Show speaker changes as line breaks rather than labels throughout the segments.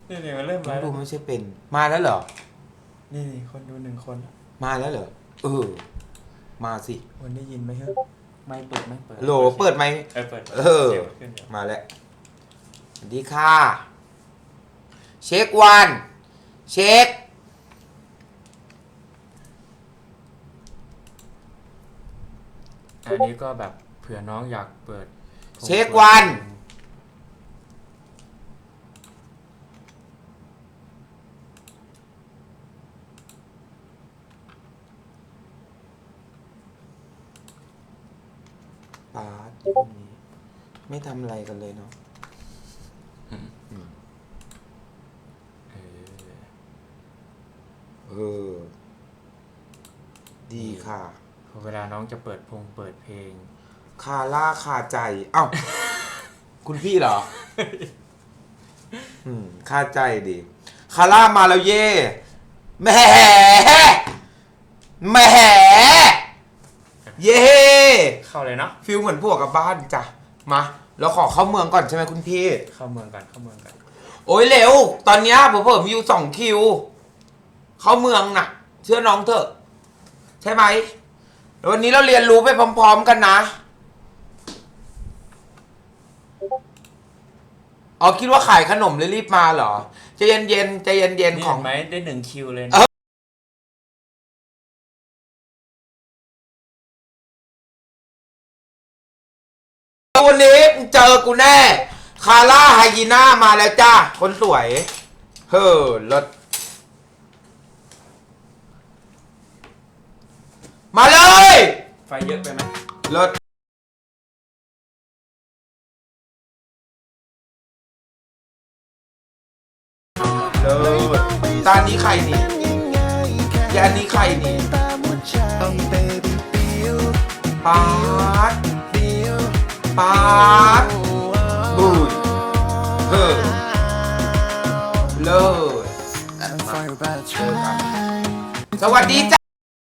นี่มันเริ่ม
น้
แล้
อง
ว
ดูไม่ใช่เป็นมาแล้วเหรอ
นี่คนดู1 คน
มาแล้วเหรอมาสิ
วันได้ยินไหมครับไม่เปิดไม่เปิด
โหลเปิดไหม
เปิด ขึ้นเดี๋ยว
มาแล้วสวัสดีค่ะเช็ควันเช็ค
อันนี้ก็แบบเผื่อน้องอยากเปิด
เช็ควันป๊าดอยู่ตรงนี้ไม่ทำอะไรกันเลยเนาะ
เออ
ดีค่ะ
เวลาน้องจะเปิดเพลง
คาร่าคาใจเอ้า คุณพี่เหรอ คาใจดีคาร่ามาแล้วเย่แหมแหมเย่
เข้าเลยเนาะ
ฟิลเหมือนพวกกับบ้านจ้ะมาเราขอเข้าเมืองก่อนใช่ไหมคุณพี่
เข้าเมืองกัน
โอ้ยเร็วตอนเนี้ยผมมีอยู่2 คิว เข้าเมืองน่ะ เชื่อน้องเถอะ ใช่ไหมวันนี้เราเรียนรู้ไปพร้อมๆกันนะอ๋อคิดว่าขายขนมเลยรีบมาเหรอใจเย็นๆใจเย็น
นี่
ๆของ
ไหมได้1 คิวเลย
เอ
นะ
วันนี้เจอกูแน่คาร่าไฮยีน่ามาแล้วจ้าคนสวยเฮ้อรถมาเลย
ไฟเยอะไปไหม
รถเลยตานี้ใครนี่ยานี้ใครนี่ปาดปาดบูดเฮ้อเลยสวัสดีจ้า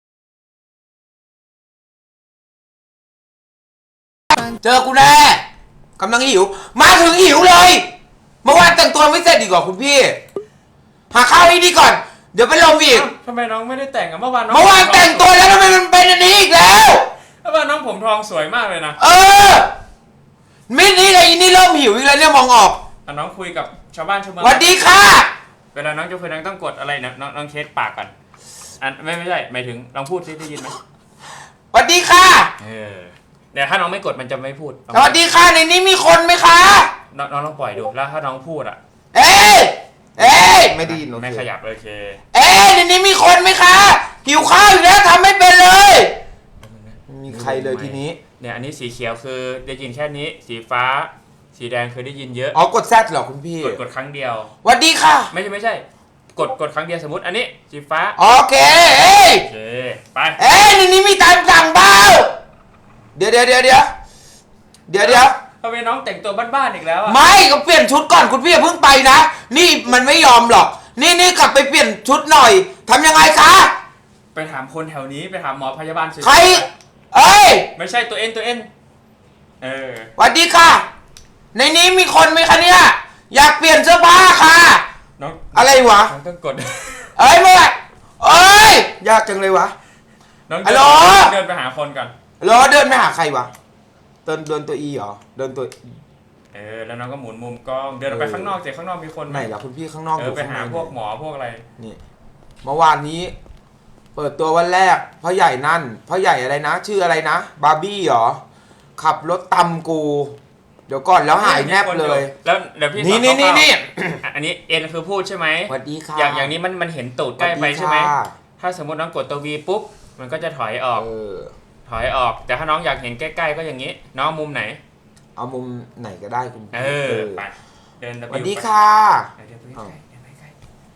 เจอกูแน่กำลังหิวมาถึงหิวเลยเมื่อวานแต่งตัวไม่เสร็จดีกว่าคุณพี่หาข้าวให้ดีก่อนเดี๋ยวไปลมอีก
ทำไมน้องไม่ได้แต่งอะเมื่อวานน้อง
เมื่อวานแต่งตัวแล้วทำไมมันเป็นอันนี้อีกแล้ว
เมื่อวานน้องผมทองสวยมากเลยนะ
มิดนี่เลยอีนี่เริ่มหิวอีกแล้วเนี่ยมองออก
น้องคุยกับชาวบ้านชาวเมือง
สวัสดีค่ะ
เวลาน้องจะคุยน้องต้องกดอะไรนะน้องเช็ดปากก่อนไม่ใช่หมายถึงลองพูดซิได้ยินไหม
สวัสดีค่ะ
เดี๋ยวถ้าน้องไม่กดมันจะไม่พูด
สวัสดีค่ะในนี้มีคนไหมคะ
น้องลองปล่อยดูแล้วถ้าน้องพูดอะ
เอ้ยไม่ได้ยินโอเค
ไม่ขยับโอเค
ในนี้มีคนไหมคะหิวข้าวอีกแล้วทำไม่เป็นเลยไม่มีใครเลยทีนี้
เนี่ยอันนี้สีเขียวคือได้ยินแค่นี้สีฟ้าสีแดงคือได้ยินเยอะ
อ๋อกดแซดเหรอคุณพี่
กดครั้งเดียว
สวัสดีค่ะ
ไม่ใช่กดครั้งเดียวสมมติอันนี้สีฟ้า
โอเค
โอเคไป
ในนี้มีตามสั่งเปล่าเดี๋ยว
ทำไมน้องแต่งตัวบ้านๆอีกแล้วอะ
ไม่ก็เปลี่ยนชุดก่อนคุณพี่อย่าเพิ่งไปนะนี่มันไม่ยอมหรอกนี่กลับไปเปลี่ยนชุดหน่อยทำยังไงคะ
ไปถามคนแถวนี้ไปถามหมอพยาบาล
ใคร
ไม่ใช่ตัวเอ็น
สวัสดีค่ะในนี้มีคนไหมคะเนี่ยอยากเปลี่ยนเสื้อผ้าค่ะ
น้อง
อะไรวะ
น้องต้องกด
เมื่อยากจังเลยวะ
น้อง
ฮัลโหล
เดินไปหาคนก่อน
เดินไปหาใครวะเดินตัวอีเหรอเดินตัว
แล้วน้องก็หมุนมุมกล้องเดินออกไปข้างนอกเจอข้างนอกมีคน
ไหนล่ะคุณพี่ข้างนอกอยู่
ไป
ข้าง
หา
ใน
พวกหมอพวกอะไร
นี่เมื่อวานนี้ เปิดตัววันแรกพ่อใหญ่นั่นพ่อใหญ่อะไรนะ ชื่ออะไรนะบาร์บี้เหรอขับรถตำกู เดี๋ยวก่อนแล้วหายแนบเลย
แล้วเดี๋ยวพี่
นี่
อันนี้เอ็นคือพูดใช่ไหม
สวัสดีค่ะ
อย่างนี้มันเห็นตูดใกล้ไปใช่ไหมถ้าสมมติน้องกดตัว V ปุ๊บมันก็จะถอยออกแต่ถ้าน้องอยากเห็นใกล้ๆก็อย่างนี้น้องมุมไหน
เอามุมไหนก็ได้คุณพี่
ไปเดิน
สวัสดีค่ะ
เดินไปใกล้ๆเดินไปใกล้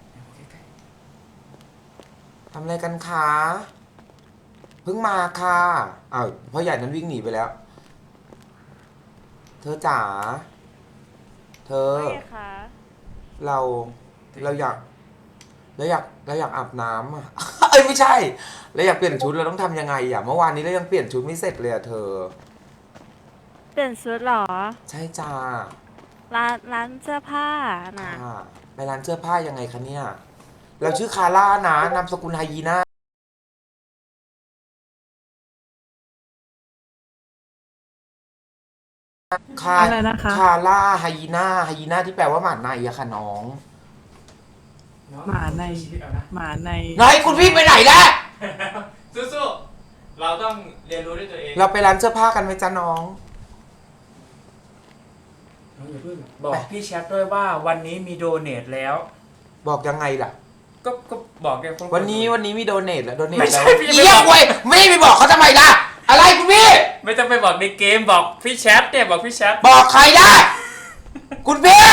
ๆ
ทำอะไรกันคะเพิ่งมาค่ะอ้าวพ่อใหญ่นั้นวิ่งหนีไปแล้ว เธอจ๋าเธอ
ไม่คะ
เราอยากอาบน้ำอ่ะ ไม่ใช่เราอยากเปลี่ยนชุดเราต้องทำยังไงอ่ะเมื่อวานนี้เรายังเปลี่ยนชุดไม่เสร็จเลยอ่ะเธอ
เปลี่ยนชุดเหรอ
ใช่จ้า
ร้านเสื้อผ้าน่ะ
ค่ะไปร้านเสื้อผ้ายังไงคะเนี่ยเราชื่อคาร่านะนามสกุลไฮยีน่าคา
อะไรนะคะ
คาร่าไฮยีน่าไฮยีน่าที่แปลว่าหมาในอะค่ะน้อง
หมาในหมาใน
ไหนคุณพี่ไปไหนแล้ว
สู้ๆเราต้องเรียนรู้ด้วยตัวเอง
เราไปร้านเสื้อผ้ากันไหมจ๊ะน้อง
น้องอย่าเพิ่งบอกพี่แชทด้วยว่าวันนี้มีโดเนทแล้ว
บอกยังไงล่ะ
ก็บอกแกคน
วันนี้มีโดเนทแล้วโดเนท
ไม่ใช่
แล้ว
พี่
เยี่ยมเว้ยไม่ได้ไปบอกเขาทำไมล่ะ อะไรคุณพี่
ไม่ต้องไปบอกในเกมบอกพี่แชทเนี่ยบอกพี่แชท
บอกใครได้ คุณพี่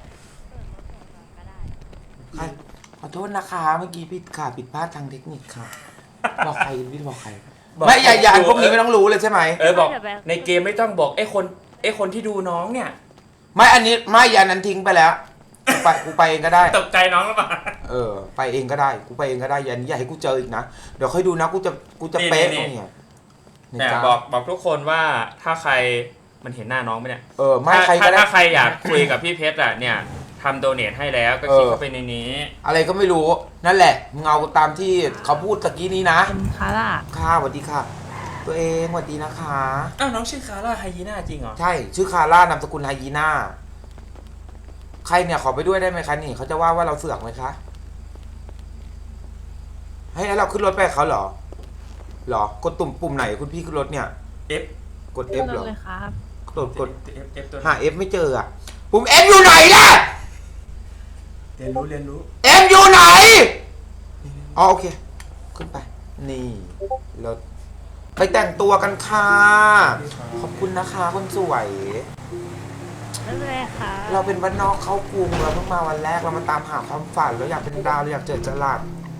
ใครขอโทษนะคะเมื่อกี้ผิดค่ะผิดพลาดทางเทคนิคค่ะ บอกใครคุณพี่บอกใคร ไม่อย่าพวกนี้ไม่ต้องรู้เลยใช่ไหม
บอกในเกมไม่ต้องบอกไอ้คนที่ดูน้องเนี่ย
ไม่อันนี้ไม่อันนั้นทิ้งไปแล้วกูไปเองก็ได้
ตกใจน้องหรือเปล่า
ไปเองก็ได้กูไปเองก็ได้อย่าให้กูเจออีกนะเดี๋ยวค่อยดูนะกูจะเป๊ะตรงเนี้ย
เนี่ยบอกทุกคนว่าถ้าใครมันเห็นหน้าน้องไหมเนี่ย
ไม่ใครก็ได้
ถ้าใครอยากคุยกับพี่เพชรอ่ะเนี่ยทำโดเนทให้แล้วก็คลิกเข้าไปในนี้
อะไรก็ไม่รู้นั่นแหละมึงเอาตามที่เขาพูดตะกี้นี้นะ
เป็นคาร่า
ค่ะสวัสดีค่ะ ตัวเองสวัสดีนะคะ
อ้าวน้องชื่อคาร่าไฮยีน่าจริงเหรอ
ใช่ชื่อคาร่านามสกุลไฮยีน่าใครเนี่ยขอไปด้วยได้ไหมคะนี่เขาจะว่าเราเสือกไหมคะให้เราขึ้นรถไปกับเขาเหรอกดปุ่มไหนคุณพี่ขึ้นรถเนี่ย
F
กด F เหรอ
เลยครับ
กด
F ตัว
หา F ไม่เจออ่ะปุ่ม F อยู่ไหนล่ะ
เรียนรู้
F อยู่ไหนอ๋อโอเคขึ้นไปนี่รถไปแต่งตัวกันค่ะขอบคุณนะคะคนสวย
นั่นเลยค่ะ
เราเป็นบ้านนอกเข้ากรุงเราเพิ่งมาวันแรกเรามาตามหาความฝันเราอยากเป็นดาวเราอยากเจอจรัส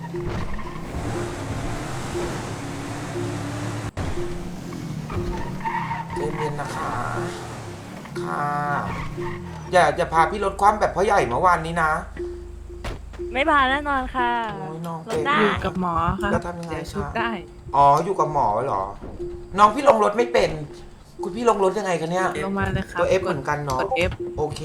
ใจเย็นนะคะค่ะอย่าพาพี่รถคว่ำแบบพ่อใหญ่เมื่อวานนี้นะ
ไม่ผ่านแน่นอนค่ะ
โอ้ยน้อง
ร
เป็
ถ
น
ได้
อยู่กับหมอค่ะ
แล้วทำยังไง
เสียชุด
คะ
ได้
อ๋ออยู่กับหมอเหรอ น้องพี่ลงรถไม่เป็น คุณพี่ลงรถยังไงคะเนี่ย
ลงมาเลยครับ
ตัว F เหมือนกันเนาะ
กด F
โอเค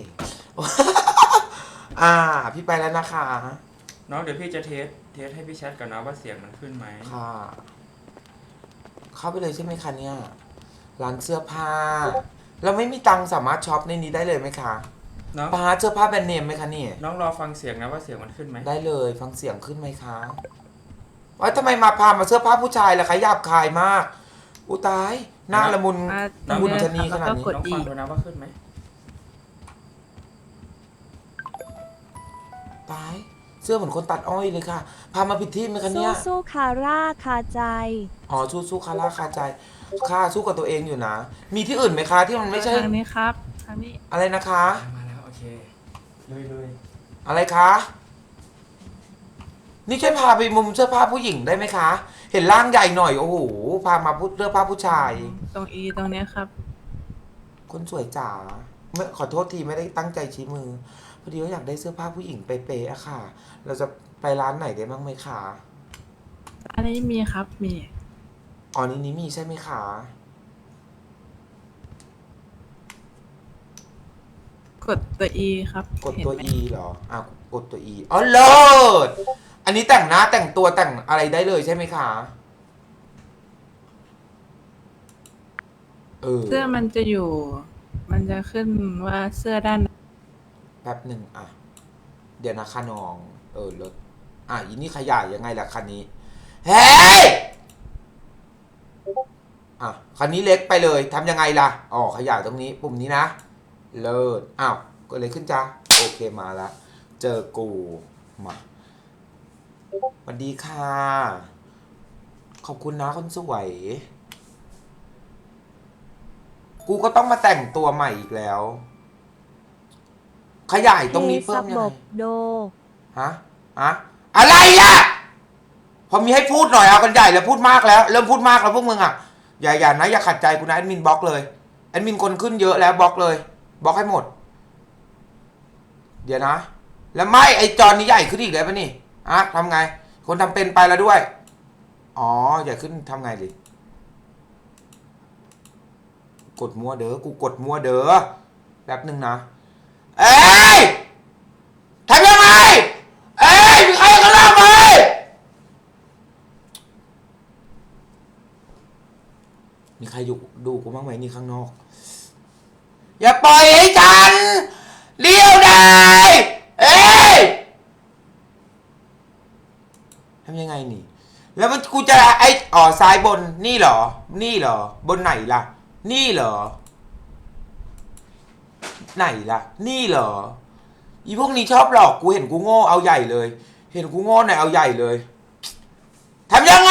พี่ไปแล้วนะคะ
น้องเดี๋ยวพี่จะเทสให้พี่แชทก่อนนะว่าเสียงมันขึ้นไหม
ค่ะ เข้าไปเลยใช่ไหมคะเนี่ย ร้านเสื้อผ้า เราไม่มีตังค์สามารถช็อปในนี้ได้เลยไหมคะ
น้อง
ปาเสื้อผ้าแบรนด์เนมไหมคะนี่
น้องรอฟังเสียงนะว่าเสียงมันขึ้นไหม
ได้เลยฟังเสียงขึ้นไหมคะว่าทำไมมาพามาเสื้อผ้าผู้ชายล่ะคะหยาบคายมาก อุยตายหน้าละมุน
อ่า
น้ำบุญชะนีขนาดนี้
แล้วก็กด
น้อง
E
ฟังดูนะว่าขึ้นไหม
ตาย เสื้อเหมือนคนตัดอ้อยเลยค่ะ พามาผิดที่ไหมคะเนี่ย
สู้คาร่าคาใจ
อ๋อสู้คาร่าคาใจค่าสู้กับตัวเองอยู่นะ มีที่อื่นไหมคะที่มันไม่ใช่
ทางนี้ครับทางนี้
อะไรนะคะ
มาแล้วโอเคเลย
อะไรคะ นี่ช่วยพาไปมุมเสื้อผ้าผู้หญิงได้ไหมคะ เห็นร่างใหญ่หน่อยโอ้โห พามาพูดเสื้อผ้าผู้ชาย
ตรง E ตรงเนี้ยครับ
คนสวยจ๋าไม่ขอโทษทีไม่ได้ตั้งใจชี้มือ พอดีว่าอยากได้เสื้อผ้าผู้หญิงเป๊ะๆอะค่ะ เราจะไปร้านไหนได้บ้างไหมคะ
อันนี้มีครับมี
อ๋อนี้มีใช่ไหมคะ
กดตัว E ครับ
กดตัว
เห็นไหม
E เหรอ กดตัว E อ๋อเลิศอันนี้แต่งหน้าแต่งตัวแต่งอะไรได้เลยใช่ไหมคะ
เสื้อมันจะอยู่ มันจะขึ้นว่าเสื้อด้าน
แป๊บหนึ่งเดี๋ยวนะคะน้องรถอีนี่ขยายยังไงล่ะคันนี้ เฮ้ยคันนี้เล็กไปเลยทำยังไงล่ะขยายตรงนี้ปุ่มนี้นะ เลิศก็เลยขึ้นจ้าโอเคมาละเจอกูมาสวัสดีค่ะ ขอบคุณนะคนสวย กูก็ต้องมาแต่งตัวใหม่อีกแล้ว ขยายตรงนี้เพิ่มยังไง
โด
ฮะอะไรอ่ะ พอมีให้พูดหน่อยเอากันใหญ่แล้วพูดมากแล้วเริ่มพูดมากแล้วพวกมึงอย่านะอย่าขัดใจกูนะแอดมินบล็อกเลยแอดมินคนขึ้นเยอะแล้วบล็อกเลยบล็อกให้หมด เดี๋ยวนะ แล้วไม่ไอจอนี้ใหญ่ขึ้นอีกแล้วปะนี่ทำไง คนทำเป็นไปแล้วด้วยใหญ่ขึ้นทำไงดิกดมัวเด้อกูกดมัวเด้อแป๊บหนึ่งนะเอ้ยทรดูกูบ้างไหมนี่ข้างนอก อย่าปล่อยให้ฉันเลี้ยวได้เอ้ยทำยังไงนี่ แล้วมันกูจะซ้ายบนนี่เหรอ นี่เหรอบนไหนล่ะ นี่เหรอ ไหนล่ะ นี่เหรออีพวกนี้ชอบหลอกกูเห็นกูโง่เอาใหญ่เลย เห็นกูโง่หน่อยเอาใหญ่เลยทำยังไง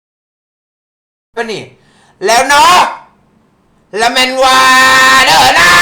ปะนี่แล้วเนาะละแมนว่าเด้อนะ